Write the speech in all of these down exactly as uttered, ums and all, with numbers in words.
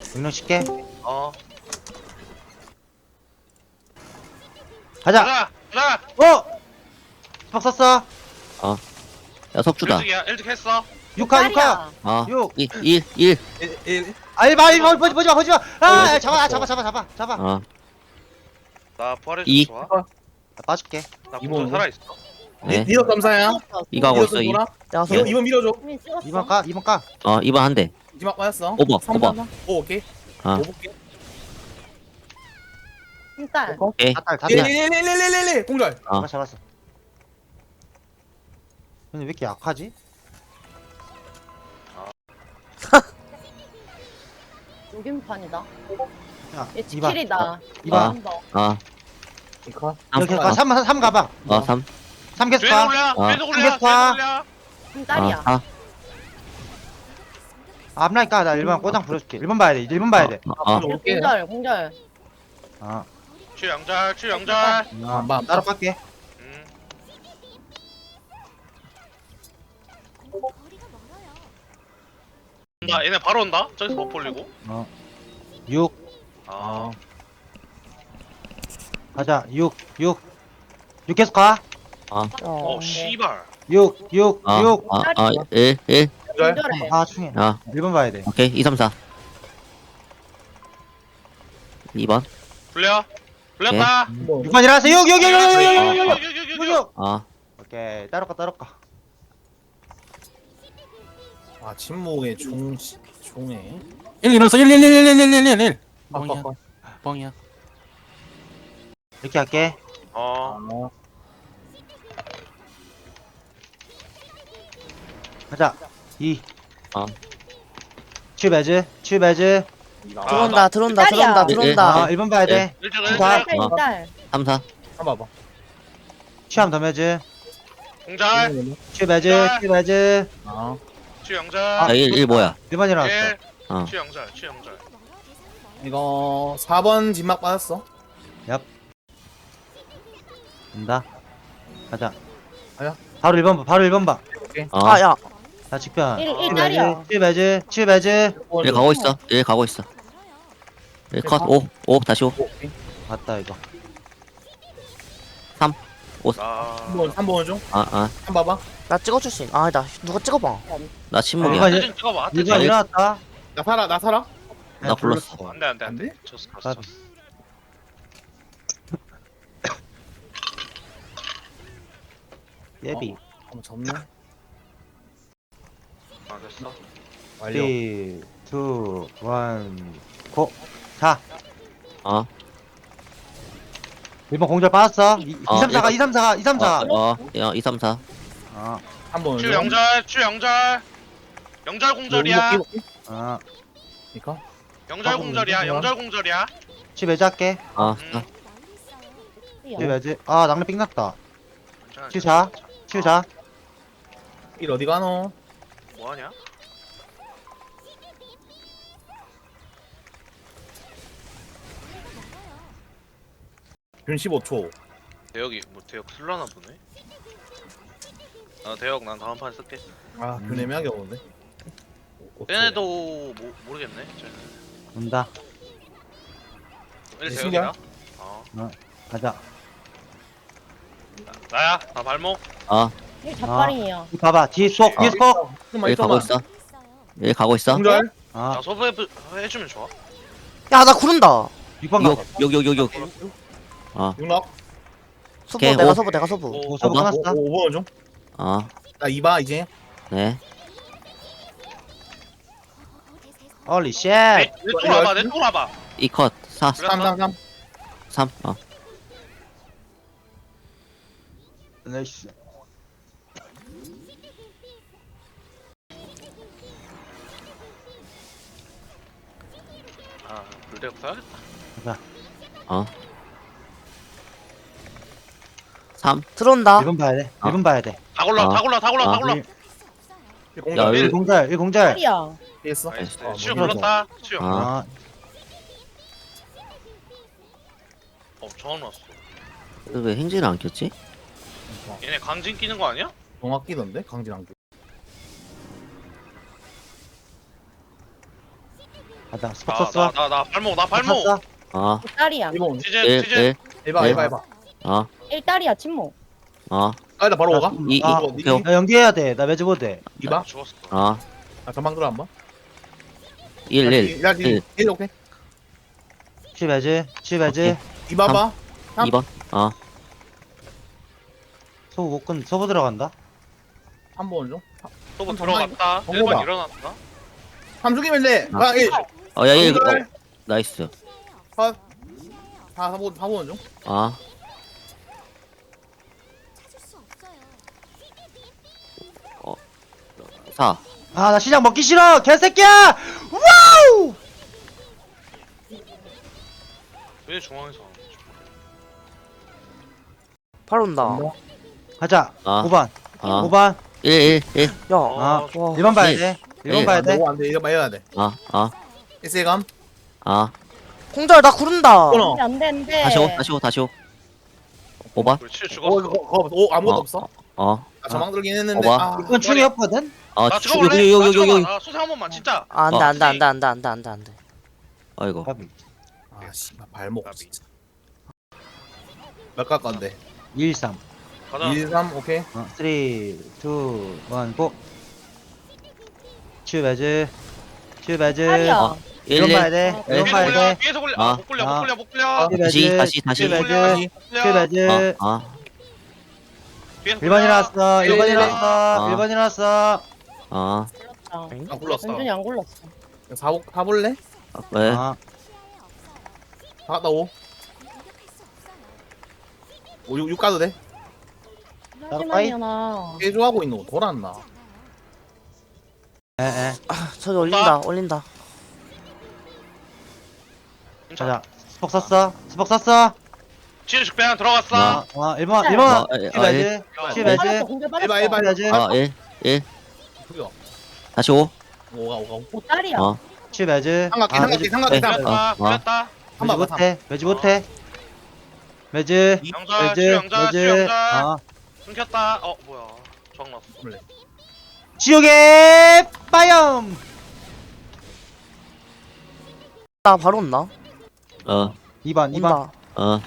명령 칠게. 어. 가자. 가자. 가자. 어! 박 썼어. 야 석주다. 일찍이야. 일찍 했어. 육카 육카. 아 육. 일 일 일. 일, 일. 아 일봐 일봐 보지 보지 마 보지 마. 아 야, 잡아 아, 잡아 잡아 잡아 잡아. 어 나 부활해 이. 줘. 좋아. 나 빠질게. 나 이모, 공전 이모. 살아 있어. 네. 니도 점사야. 이거 하고 있어. 이. 돌아. 내가 이번 이번 밀어줘. 이미 찍었어. 이번 까 이번 까. 어 이번 한 대. 이지막 빠졌어. 오버, 삼 오버. 번. 오 오케이. 아 오 볼게. 일단 오케이. 다탈 일, 다탈. 일, 일, 일, 일, 일, 일. 공절. 어 잡았어 잡았어. 근데 왜 이렇게 약하지? 여긴판이다. 야 얘 이번. 치킬이다. 이번. 아 이거. 이렇게 가 삼 삼 가봐. 어 삼. 삼 계속 뒤에서 가. 올려. 아. 뒤에서 올려. 삼겹살. 뒤에서 올려. 한 딸이야. 아 앞라니까 나 일 번 꼬장 부려줄게. 일 번 봐야 돼. 일 번 봐야 돼. 아. 아. 올게. 공절 공절. 아. 추영절. 추영절. 아, 봐. 따로 깎게. 음. 온다. 얘네 바로 온다. 저기서 못 벌리고. 어. 육. 아. 가자. 육. 육. 육 계속 가. 어, 네. 씨발. 육. 육. 아. 육. 아. 일 일. 공절. 공절해. 아 충해. 아 일 번 봐야 돼. 오케이 이 삼 사. 이 번. 불려. 불렸다. 뭐. 육 번 일어나서 육. 육. 육. 육. 육. 육. 육. 육. 육. 육. 육육육육육육. 육. 아 오케이. 따로 가 따로 가. 아 침묵의 종 종에. 일 일어서 일 일 일 일 일 일 일 일 뻥이야 빡빡빡. 뻥이야. 이렇게 할게. 어. 어. 가자. 이. 어. 츄베즈. 츄베즈. 들어온다 들어온다 네, 들어온다 아, 들어온다. 일 번 봐야 돼. 일찍 자. 일찍. 딸 어. 딸. 삼 사. 한번 봐봐. 취함 더메즈. 공절. 츄베즈. 츄베즈. 아. 추영절. 아 일 일 뭐야? 일 번 일어났어. 일. 어. 추영절. 추영절. 이거 사 번 진막 빠졌어. 온다. 가자. 가자. 바로 일 번 봐. 바로 일 번 봐. 어. 아야. 자 직변. 일 일 딸이야. 츄베즈. 츄베즈. 일 가고 있어. 일 가고 있어. 일 컷. 오. 오 다시 오. 오케이. 맞다 이거. 아. 삼 번, 삼 번 중. 아 아. 한 번 봐봐. 나 찍어줄 수 있. 아나 누가 찍어봐. 나 아, 침묵이야. 이거 대진 찍어봐. 일 대진. 번 일어났다. 나 살아, 나 살아. 나 불렀어. 안돼 안돼 안 안돼. 돼? 졌어 졌어. 졌어. 예비. 한번 접네. 아 됐어. 완료. 삼, 이, 일, 고. 자. 어. 일 번 공절 빠졌어. 이, 어, 삼, 사가 일 이, 삼, 사가 이, 삼, 사. 어. 어. 이 삼 사. 어. 한 번. 추영절. 추영절. 영절 공절이야. 어. 이거. 영절 공절이야. 영절 공절이야. 츄베즈 할게. 어. 음. 츄베즈. 아 낭래 삥났다. 괜찮아, 츄자. 괜찮아. 츄자. 일 어디 가노? 뭐하냐? 균 십오 초. 대역이 뭐 대역 쓸라나 보네. 아 대역 난 다음 판 쓸게. 아, 음. 균 애매하게 오는데. 얘네도 모, 모르겠네. 쟤는. 온다. 일 네, 대역이다. 어. 가자. 나야. 나 발목. 어. 일 잡발이야. 이 봐봐. 뒤에 쏙. 뒤에 쏙. 잠깐만, 일 가고 있어. 일 가고 있어. 공절. 아. 나 소부 해, 해주면 좋아. 야 나 구른다. 육 번 가봐. 욕욕욕욕욕. 어. 육락. 서부 오케이, 내가 오. 서부 내가 서부. 오, 오, 서브 봐봐. 끝났어. 오 번 중. 어. 나 이 봐 이제. 네. 홀리 쉣. 내, 내 쪽으로 와봐. 내 쪽으로 와봐. 이 컷. 사. 그래. 삼, 삼, 삼. 삼. 어. 나이스. 아 불대역 써야겠다. 어. 삼. 들어온다. 일 번 봐야 돼. 아. 일 번 봐야 돼. 다 골라. 아. 다 골라. 다 골라. 다 아. 골라. 일, 일 야, 공절. 일- 일 공절. 일 공절. 딸이야. 피했어. 나이스. 어, 치유 뭐 불렀다. 치유. 아. 아. 어 정원 왔어. 왜 행진을 안 켰지? 얘네 강진 끼는 거 아니야? 동학 끼던데 강진 안 끼. 아나 스폭 썼어. 나나 나 발목 나 발목. 썼어. 어, 딸이야. 일번 시즌 일, 시즌. 일, 해봐 네. 해봐 해봐. 어, 일 딸이야 침묵. 어, 아, 나 바로 오가. 이, 이, 아, 오케이, 오케이. 나 연기해야 돼. 나 매주 못 돼. 이봐. 죽었어. 어, 아, 전방 들어 한번. 일, 일, 야, 일, 일 오케이. 치 매주. 치 매주. 이봐 봐. 삼. 이 번. 어, 소부 못 끈. 소부 들어간다. 한 번 좀. 또뭐 전방- 들어갔다. 정보다. 일 번 일어났다. 삼 죽이면 돼. 아. 아, 일. 어, 야, 일, 정글. 어, 나이스. 사, 사, 번, 사 번 중. 어, 사. 아 나 시장 먹기 싫어. 개새끼야. 와우. 왜 중앙에서 안 해? 바로 온다. 가자. 아. 오 번. 어, 오 번. 일, 일, 일. 야. 아, 와. 일 번 봐야 일. 돼. 일 번 일. 봐야 돼. 안 돼. 이거 봐야 돼. 어, 어, 에스에감. 어. 공절 나 구른다. 끊어. 안돼 안돼. 다시 오, 다시 오, 다시 오. 오 번. 그렇지 오, 죽었어. 이거, 거, 오, 아무것도 어. 없어. 어, 아, 전방 들긴 했는데. 오바. 아, 이건 충이었거든. 어, 나 주- 죽어볼래? 여기, 여기, 여기, 여기, 여기. 나 소생 한 번만 진짜. 아, 안돼 어. 안돼 안돼 안돼 안돼 안돼 안돼. 어이구. 까비. 아, 씨발 발목 까비. 진짜. 몇갈 건데? 일, 삼. 가자. 일, 삼, 오케이. 어, 삼, 이, 일, 고. 치 매주. 치 매주. 딸이야. 어. 일, 이건 일. 봐야 돼. 어, 이건 뒤에서 봐야 굴려. 돼. 뒤에서 굴려. 아. 아, 못 굴려. 못 아. 굴려. 못 굴려. 치 다시, 매주. 다시, 다시. 치 못 매주. 굴려. 치 굴려. 매주. 어, 어, 뒤에서 일 번 굴려. 일어났어. 일 번 일, 일어났어. 아. 일 번 일어났어. 어. 아, 아, 굴렀어. 완전히 안 굴렀어. 사, 사 볼래? 왜? 아, 사 갔다 오. 오, 육, 육 가도 돼? 잠시만요 나. 개조하고 있는 거 돌았나? 에, 에. 저기 올린다 올린다. 자자. 스폭 썼어. 스폭 썼어. 지금 식배한 들어갔어. 어, 어, 일 번, 네. 일 번. 어, 에, 치 어, 매주. 치 네. 매주. 빠졌어 공절 빠졌어. 일반, 일반. 치 매주. 어, 일, 일. 죽여. 다시 오. 오가, 오가, 오. 오 딸이야. 어, 치 매주. 삼각대, 아, 삼각대, 매주. 삼각대, 네. 삼각대. 굴렸다. 어, 어. 굴렸다. 매주 한번 못해. 매주 못해. 매주. 영자, 매주. 추영자, 매주. 추영자. 어. 끊겼다. 어, 뭐야. 저항 났어. 지옥의 빠염. 나 바로 온다. 어, 이 번, 이 번. 온다. 어,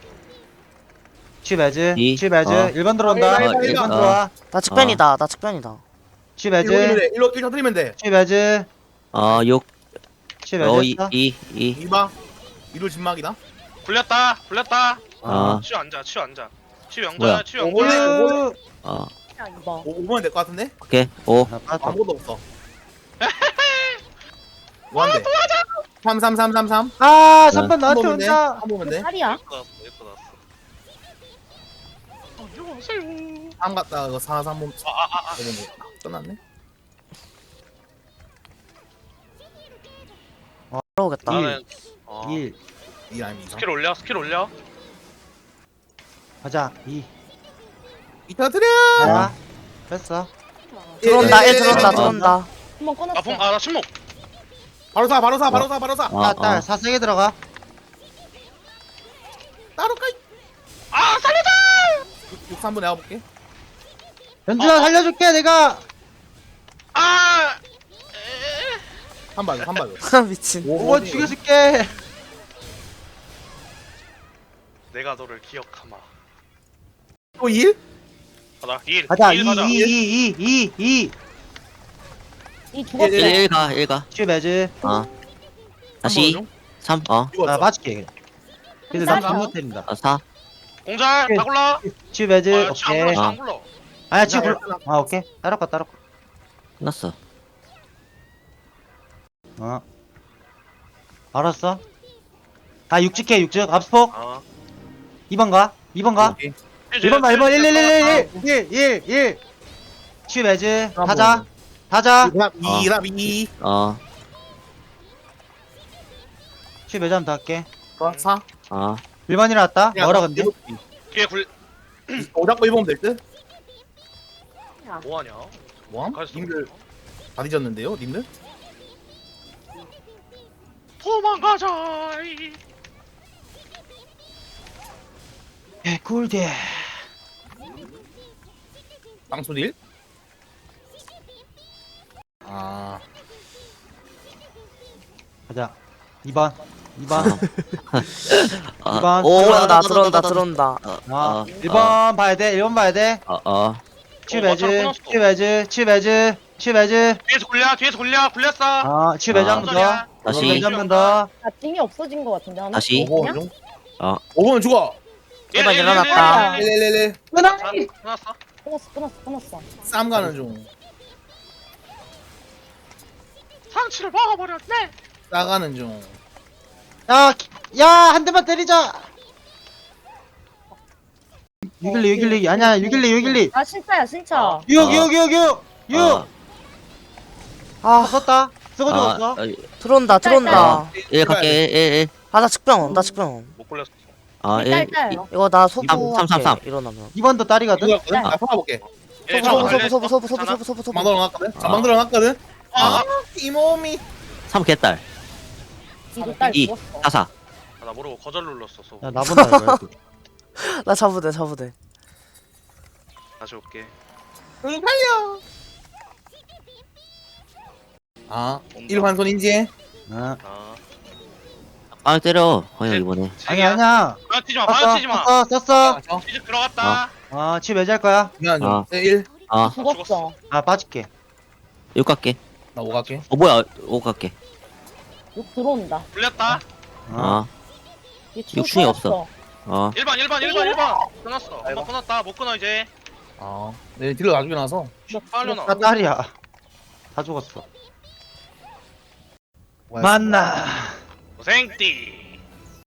치 매주. 이. 치 매주. 어. 일 번 들어온다. 일 번, 일 일 번 번. 들어와. 나 측변이다. 나 측변이다. 치 일로 일로 매주. 돼. 일로 일 터뜨리면 돼. 치 매주. 어, 육. 치 어, 매주. 이, 이, 이. 이봐. 이로 진막이다. 굴렸다. 굴렸다. 어, 치유 앉아. 치유 앉아. 치유 뭐야? 영자. 치유 오래. 영자. 어, 야 이거. 오, 오면 될 것 같은데? 오케이. 오. 나 빠졌다. 아무것도 없어. 뭐한대? 삼, 삼, 삼, 삼, 삼. 아, 삼 번 한 나한테 보면 돼. 온다. 한 보면 돼. 딸이야. 예뻐 나왔어. 예뻐 나왔어. 안녕하세요. 삼 갔다 이거 사, 삼 보면 아, 아, 아. 끝났네. 들어오겠다. 나는 어, 일. 이 라인 이상. 스킬 올려. 스킬 올려. 가자. 이. 이 터뜨려. 하나. 뺐어. 들어온다. 예, 애 들어온다. 어. 들어온다. 한번 끊었어. 아, 봉, 아, 나 침묵. 바로 사, 바로 사, 바로 사, 바로 사. 어, 아, 딸. 어. 사세게 들어가. 따로 가. 아, 살려줘. 육, 삼 분 내가 볼게. 연준아 살려줄게 내가. 아. 삼 발, 삼 발. 미친. 오 번 죽여줄게. 내가 너를 기억하마. 또 일? 가자. 일. 가자. 일 이, 가자. 이, 이, 이, 이, 이. 이 죽었어. 일, 일 가, 일 가. 치 매주. 어. 다시 삼. 어. 아, 맞을게. 그냥. 근데 나 딸이야. 잘못 때린다. 어, 사. 공잘 다 굴러. 치 매주. 아, 치안 오케이. 굴러. 아. 치안 굴러. 아야, 치 굴러. 아, 오케이. 따로 거, 따로 거. 끝났어. 어. 알았어. 아, 육직 해, 육직. 앞스폭. 아. 이 번 가. 이 번 가. 오케이. 일 번 가, 일 번. 일, 일, 일, 일, 일, 일, 일. 치 매주. 타자. 타자. 이랍, 이, 이랍, 이. 어, 치 매주 한번 더 할게. 어, 사. 어. 일 번 일어났다. 뭐라 근데? 뒤에 굴 오잡고 일 보면 될 듯? 뭐하냐? 뭐함? 가있어. 님들 다 뒤졌는데요, 님들? 도망가자. 개꿀대. 빵소딜? 아. 가자. 이 번. 이 번. 아, 이번. 오, 들어온다 나, 나, 들어온다 나, 나, 들어온다. 나. 아, 어, 일 번 봐야 돼. 일 번 봐야 돼. 어, 어. 치매즈. 끊었어. 치매즈. 치매즈. 치매즈. 뒤에서 굴려 뒤에서 굴려 굴렸어. 아, 치매즈 아. 한 번 더. 다시. 치매즈 한 번 더. 아 띵이 없어진 거 같은데 하나? 다시. 오 번 그냥? 중. 어. 오 번 죽어. 일반 일어났다. 일일일일. 끊어. 끝났어. 끊었어 끊었어 끊었어. 쌈 가는 중. 상치를 먹어버렸네. 싸가는 중. 야, 기- 야, 한 대만 때리자. 육일리, 육일리. 아니야, 육일리, 육일리. 아 신차야 신차. 육, 아. 육, 육, 육. 육. 어. 아, 아 썼다. 쓰고 아, 죽었어. 어, 들어온다 들어온다. 일 갈게. 일, 일. 아나 측병 나 측병. 못 굴렸어. 아, 일. 딸딸. 이거 나 소부 삼, 삼, 삼. 할게 일어나면. 이 번도 딸이거든. 이거 나 풀어볼게. 예, 소부 저거 소부 소부 걸렸어. 소부 소부 괜찮아? 소부 소부 소부. 자막 들어놨거든. 자막 들어놨거든. 아, 이 몸이. 삼 개딸. 이거 딸 이. 죽었어. 사사. 아, 나 모르고 거절 눌렀어. 소. 야, 나본다, 이거. 나 잡으대 잡으대. 다시 올게. 응 살려. 아, 일환손 인지해. 아, 아. 아, 때려. 허영 이번에. 아니야, 아니야. 방치지 마. 썼어, 방치지 마. 썼어, 썼어. 저. 이제 들어갔다. 아, 치 매질 거야. 미안 좀. 아. 일. 아, 죽었어. 아, 빠질게. 육 갈게. 나 오 갈게. 어, 뭐야. 오 갈게. 욕 들어온다. 굴렸다. 아, 얘 육충이 없어. 어. 일 번 일 번 일 번 일 번. 끊었어. 한번 끊었다. 못 끊어 이제. 아, 내 딜러 나중에 나서. 빨려 나. 나 딸이야. 다 죽었어. 만나. 고생띠.